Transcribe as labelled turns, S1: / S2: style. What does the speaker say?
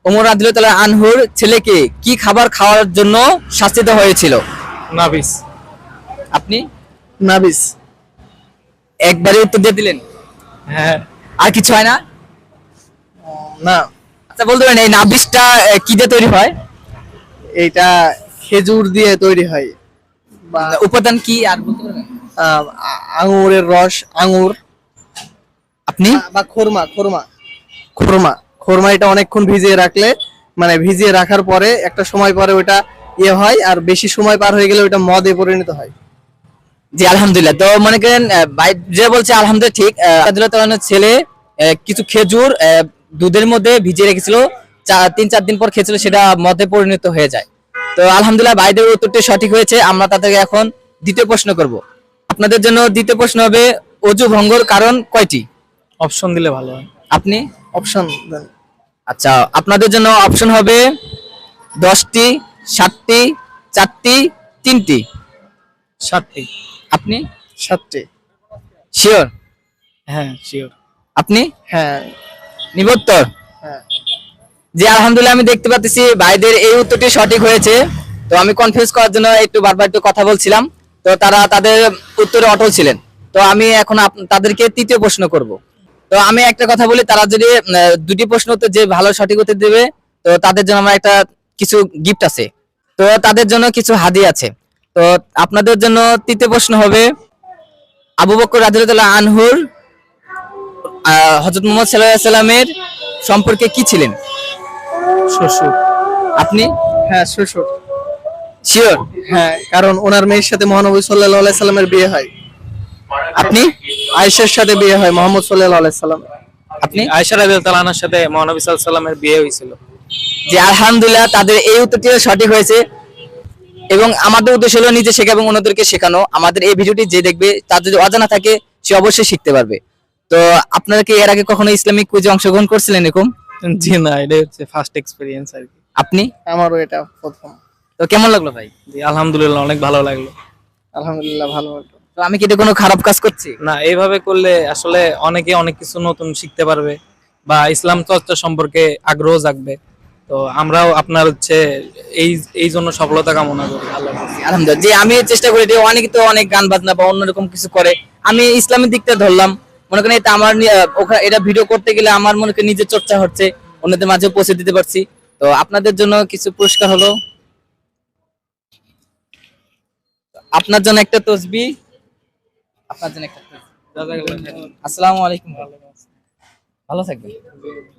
S1: ওমর রাদিয়াল্লাহু আনহুর ছেলেকে কি খাবার খাওয়ার জন্য শাস্তি দেওয়া হয়েছিল?
S2: নাবিস।
S1: আপনি
S3: নাবিস।
S1: একবারে উত্তর দিয়ে দিলেন।
S2: হ্যাঁ।
S1: আর কিছু হয় না?
S3: না,
S1: আচ্ছা বলতে পারেন এই নাবিসটা কি দিয়ে তৈরি হয়?
S3: এইটা খেজুর দিয়ে তৈরি হয় বা
S1: উপাদান কি আর বলতে পারবেন?
S3: আঙুরের রস, আঙুর
S1: আপনি
S3: বা খোরমা খোরমা খোরমা খোরমা এটা অনেকক্ষণ ভিজিয়ে রাখলে, মানে ভিজিয়ে রাখার পরে একটা সময় পরে ওটা ইয়ে হয়, আর বেশি সময় পার হয়ে গেলে ওটা মদে পরিণত হয়।
S1: জি আলহামদুলিল্লাহ। তো মনে করেন ভাই যে বলছে আলহামদুলিল্লাহ ঠিক। রাদিয়াল্লাহু তাআলার ছেলে কিছু খেজুর দুধের মধ্যে ভিজিয়ে রেখেছিল, 3-4 দিন পর খেয়েছিল, সেটা মদে পরিণত হয়ে যায়। তো আলহামদুলিল্লাহ ভাইদের উত্তরটি সঠিক হয়েছে। আমরা তাদেরকে এখন দ্বিতীয় প্রশ্ন করব। আপনাদের জন্য দ্বিতীয় প্রশ্ন হবে অজু ভঙ্গর কারণ কয়টি?
S2: অপশন দিলে ভালো হয়।
S1: আপনি
S3: অপশন দেন।
S1: আচ্ছা আপনাদের জন্য অপশন হবে 10টি, 7টি, 4টি, 3টি।
S2: 7টি।
S1: আপনি
S3: 7টি।
S1: শিওর?
S2: হ্যাঁ শিওর।
S1: আপনি
S3: হ্যাঁ
S1: নিবত্তর?
S3: হ্যাঁ।
S1: জি আলহামদুলিল্লাহ আমি দেখতে পাচ্ছি ভাইদের এই উত্তরটি সঠিক হয়েছে। তো আমি কনফিউজ করার জন্য একটু বারবার একটু কথা বলছিলাম, তো তারা তাদের উত্তরে অটল ছিলেন। তো আমি এখন তাদেরকে তৃতীয় প্রশ্ন করব। তো আমি একটা কথা বলি, তারা যদি দুটি প্রশ্ন উত্তর যে ভালো সঠিক উত্তর দেবে, তো তাদের জন্য আমার একটা কিছু গিফট আছে, তো তাদের জন্য কিছু হাদিয়া আছে। তো আপনাদের জন্য তৃতীয় প্রশ্ন হবে আবু বকর রাদিয়াল্লাহু আনহুর হযরত মুহাম্মদ সাল্লাল্লাহু আলাইহি সাল্লামের সম্পর্কে কি ছিলেন?
S3: শ্বশুর।
S1: আপনি
S3: হ্যাঁ শ্বশুর।
S1: শিওর?
S3: হ্যাঁ, কারণ ওনার মেয়ের সাথে মহানবী সাল্লাল্লাহু আলাইহি সাল্লামের বিয়ে হয়।
S1: আপনি
S3: আয়েশার সাথে বিয়ে হয় মুহাম্মদ সাল্লাল্লাহু আলাইহি সাল্লাম।
S1: আপনি
S2: আয়েশা রাদিয়াল্লাহু তাআলার সাথে মহানবী সাল্লাল্লাহু আলাইহি সাল্লামের বিয়ে হয়েছিল।
S1: যে আলহামদুলিল্লাহ তাদের এই উত্তরটি সঠিক হয়েছে। এবং আমাদের উদ্দেশ্য হলো নিজে শেখা এবং অন্যদেরকে শেখানো। আমাদের এই ভিডিওটি যে দেখবে তার যদি অজানা থাকে সে অবশ্যই শিখতে পারবে। তো আপনারা কি এর আগে কখনো ইসলামিক কুইজে অংশগ্রহণ করছিলেন এরকম?
S2: জি না, এটা হচ্ছে ফার্স্ট এক্সপেরিয়েন্স আর কি।
S1: আপনি?
S3: আমারও এটা প্রথম।
S1: তো কেমন লাগলো ভাই?
S2: জি আলহামদুলিল্লাহ অনেক ভালো লাগলো।
S3: আলহামদুলিল্লাহ ভালো হলো।
S1: তো আমি কি এটা কোনো খারাপ কাজ করছি?
S2: না, এইভাবে করলে আসলে অনেকে অনেক কিছু নতুন শিখতে পারবে বা ইসলাম চর্চা সম্পর্কে আগ্রহ জাগবে। তো আমরাও আপনার হচ্ছে এই এই জন্য সফলতা কামনা করি। আল্লাহ হাফেজ।
S1: আলহামদুলিল্লাহ। যে আমি চেষ্টা করি যে অনেকে তো অনেক গান বাজনা বা অন্যরকম কিছু করে, আমি ইসলামের দিকটা ধরলাম। মনে করেন এটা আমার এটা ভিডিও করতে গেলে আমার মনে করেন নিজের চর্চা হচ্ছে, অন্যদের মাঝে পৌঁছে দিতে পারছি। তো আপনাদের জন্য কিছু পুরস্কার হলো, আপনার জন্য একটা তসবিহ, আপনার জন্য একটা তসবিহ। আসসালামু আলাইকুম। ভালো থাকবেন।